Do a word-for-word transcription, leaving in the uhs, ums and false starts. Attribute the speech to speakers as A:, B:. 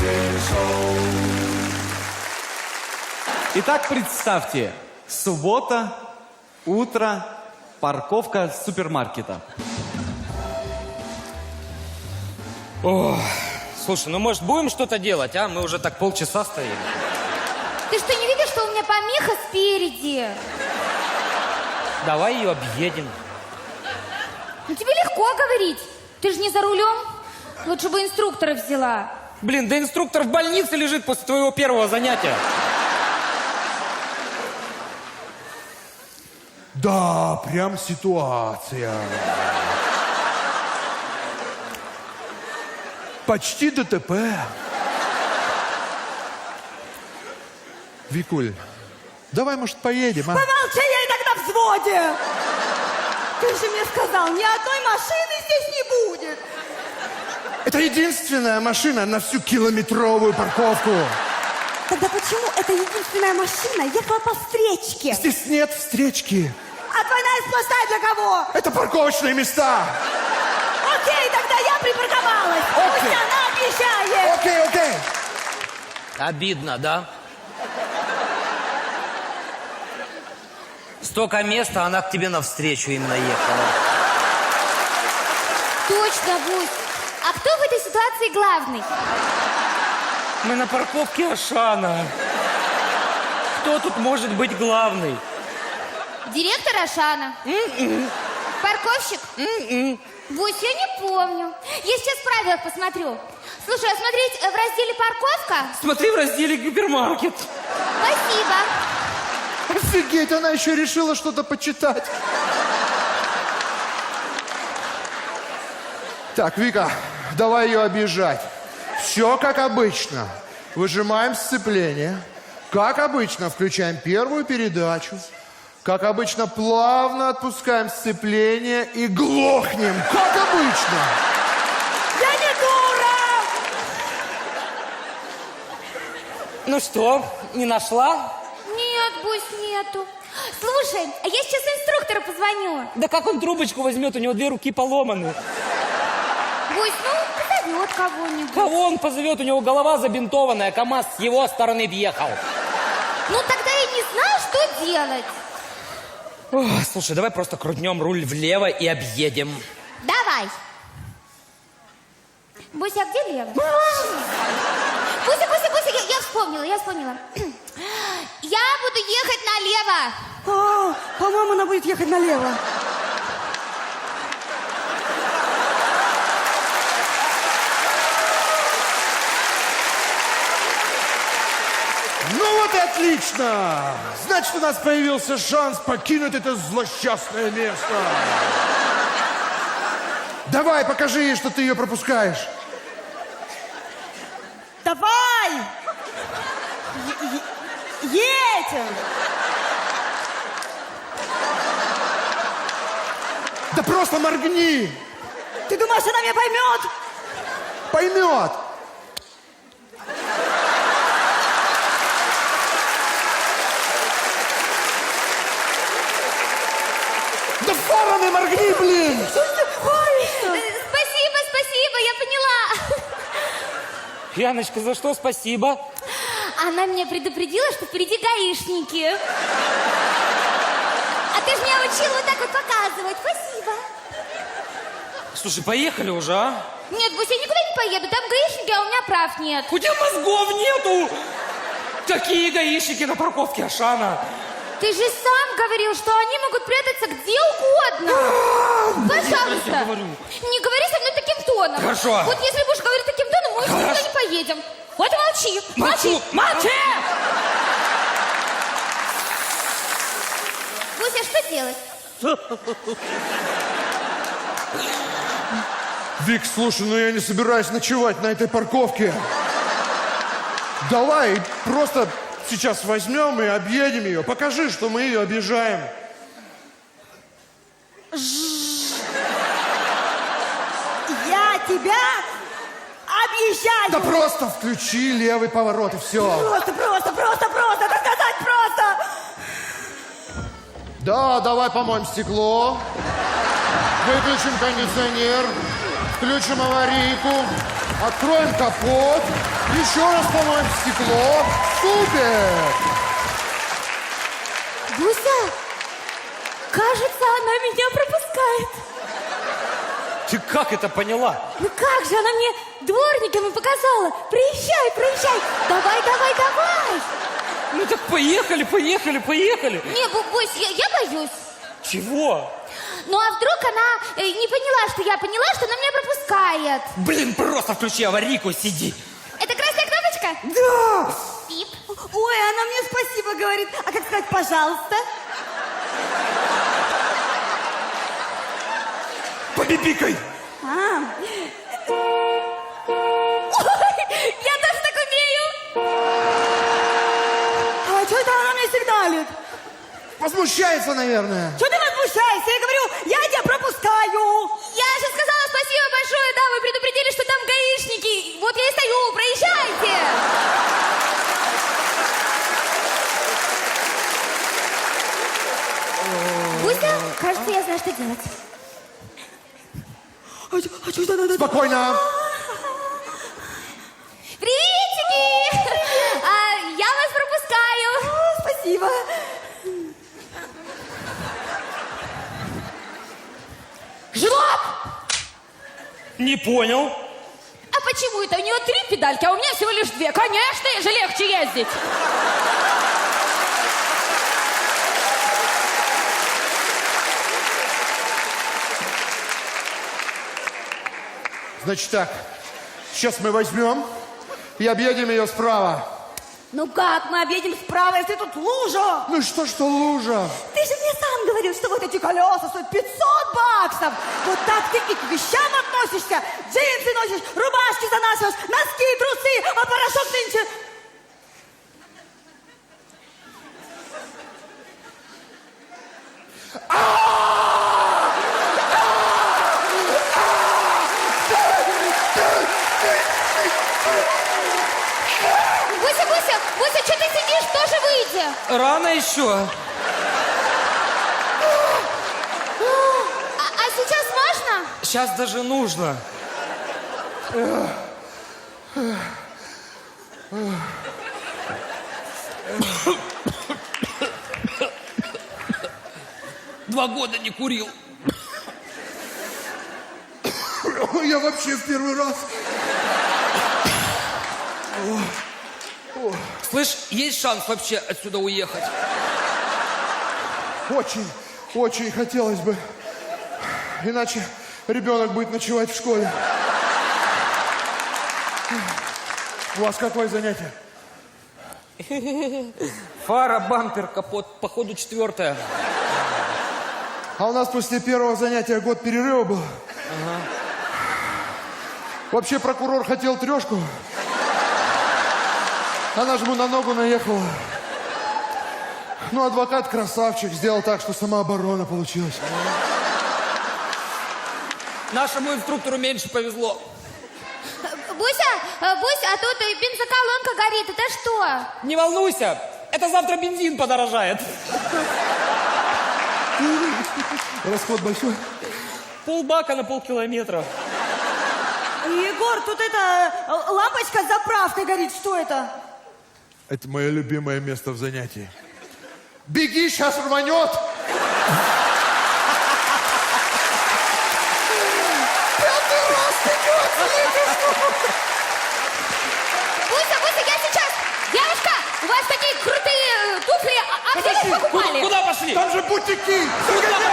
A: Итак, представьте, суббота, утро, парковка супермаркета.
B: О, слушай, ну может будем что-то делать, а? Мы уже так полчаса стоим.
C: Ты что, не видишь, что у меня помеха спереди?
B: Давай ее объедем.
C: Ну тебе легко говорить. Ты же не за рулем. Лучше бы инструктора взяла.
B: Блин, да инструктор в больнице лежит после твоего первого занятия.
D: Да, прям ситуация. Почти ДТП. Викуль, давай, может, поедем, а?
E: Помолчи, я и так на взводе. Ты же мне сказал, ни одной машины здесь не будет.
D: Это единственная машина на всю километровую парковку.
E: Тогда почему эта единственная машина ехала по встречке?
D: Здесь нет встречки.
E: А двойная сплошная для кого?
D: Это парковочные места.
E: Окей, тогда я припарковалась.
D: Окей.
E: Пусть она объезжает.
D: Окей, окей.
B: Обидно, да? Столько места, она к тебе навстречу именно ехала.
C: Точно, Бусь. А кто в этой ситуации главный?
B: Мы на парковке Ашана. Кто тут может быть главный?
C: Директор Ашана.
B: М-м.
C: Парковщик?
B: М-м.
C: Бусь, я не помню. Я сейчас в правилах посмотрю. Слушай, а смотреть в разделе парковка?
B: Смотри в разделе гипермаркет.
C: Спасибо.
D: Офигеть, она еще решила что-то почитать. Так, Вика, давай ее объезжать. Все как обычно. Выжимаем сцепление. Как обычно, включаем первую передачу. Как обычно, плавно отпускаем сцепление и глохнем. Как обычно.
E: Я не дура!
B: Ну что, не нашла?
C: Нет, Бусь, нету. Слушай, а я сейчас инструктору позвоню.
B: Да как он трубочку возьмет, у него две руки поломаны.
C: Бусь, ну, позовет кого-нибудь.
B: Кого он позовет? У него голова забинтованная, КамАЗ с его стороны въехал.
C: Ну, тогда я не знаю, что делать.
B: Ох, слушай, давай просто крутнем руль влево и объедем.
C: Давай. Буся, а где лево? Буся, Буся, Буся, я, я вспомнила, я вспомнила. Я буду ехать налево.
E: А, по-моему, она будет ехать налево.
D: Ну вот и отлично! Значит, у нас появился шанс покинуть это злосчастное место. Давай, покажи ей, что ты ее пропускаешь.
E: Давай! Е- е- едем!
D: Да просто моргни!
E: Ты думаешь, она меня поймет?
D: Поймет! Да фарами моргни, блин!
E: Ой, что?
C: Э, Спасибо, спасибо, я поняла.
B: Яночка, за что спасибо?
C: Она меня предупредила, что впереди гаишники. А ты же меня учила вот так вот показывать. Спасибо.
B: Слушай, поехали уже, а?
C: Нет, Буся, я никуда не поеду. Там гаишники, а у меня прав нет.
B: У тебя мозгов нету! Какие гаишники на парковке Ашана?
C: Ты же сам говорил, что они могут прятаться где угодно. Пожалуйста.
B: Я говорю.
C: Не говори со мной таким тоном.
B: Хорошо.
C: Вот если будешь говорить таким тоном, мы
B: Хорошо.
C: никуда не поедем. Вот молчи.
B: Молчу! Молчи!
C: Буся, что делать?
D: Вик, слушай, ну я не собираюсь ночевать на этой парковке. Давай просто сейчас возьмем и объедем ее. Покажи, что мы ее объезжаем.
E: Я тебя объезжаю!
D: Да просто включи левый поворот и все.
E: Просто, просто, просто, просто, так сказать, просто!
D: Да, давай помоем стекло. Выключим кондиционер. Включим аварийку. Откроем капот. Еще раз помоем стекло. Супер!
C: Буся, кажется, она меня пропускает.
B: Ты как это поняла?
C: Ну как же, она мне дворниками показала. Приезжай, приезжай. Давай, давай, давай.
B: Ну так поехали, поехали, поехали.
C: Не, Бу- Бусь, я, я боюсь.
B: Чего?
C: Ну а вдруг она э, не поняла, что я поняла, что она меня пропускает?
B: Блин, просто включи аварийку, сиди.
C: Это красная кнопочка?
E: Да!
C: Пип.
E: Ой, она мне спасибо говорит. А как сказать «пожалуйста»?
B: Побибикай.
E: А,
C: Ой, я тоже так умею.
E: а что это она мне сигналит?
D: Возмущается, наверное.
E: Что ты возмущаешься? Я говорю, я тебя пропускаю.
C: Я же сказала спасибо большое, да, вы предупредили, что там гаишники. Вот я и стою, проезжайте. Буся, кажется, я знаю, что делать.
E: А что а чё это надо?
D: Спокойно.
C: Приветики! А, я вас пропускаю.
E: А, спасибо.
C: Жлоб!
B: Не понял.
C: А почему это? У нее три педальки, а у меня всего лишь две. Конечно, ей же легче ездить.
D: Значит так, сейчас мы возьмем и объедем ее справа.
E: Ну как мы объедем справа, если тут лужа?
D: Ну что, что лужа?
E: Ты же мне сам говорил, что вот эти колеса стоят пятьсот баксов. Вот так ты и к вещам относишься. Джинсы носишь, рубашки занашиваешь, носки, трусы, а порошок нынче...
C: Буся, Буся, Буся, что ты сидишь? Тоже выйди.
B: Рано еще.
C: А, а сейчас можно?
B: Сейчас даже нужно. Два года не курил.
D: Я вообще в первый раз.
B: Слышь, есть шанс вообще отсюда уехать?
D: Очень, очень хотелось бы. Иначе ребенок будет ночевать в школе. У вас какое занятие?
B: Фара, бампер, капот, походу четвертое.
D: А у нас после первого занятия год перерыва был. Вообще прокурор хотел трешку. Она же ему на ногу наехала. Ну, адвокат красавчик, сделал так, что самооборона получилась.
B: Нашему инструктору меньше повезло.
C: Буся, э, Буся, а тут э, бензоколонка горит. Это что?
B: Не волнуйся, это завтра бензин подорожает.
D: Расход большой.
B: Полбака на полкилометра.
E: Егор, тут это э, лампочка с заправкой горит. Что это?
D: Это мое любимое место в занятии. Беги, сейчас рванет!
C: Буся, Буся, я сейчас. Девушка, у вас такие крутые э, туфли. А, а где вы их покупали?
B: Куда пошли?
D: Там же бутики!
B: Куда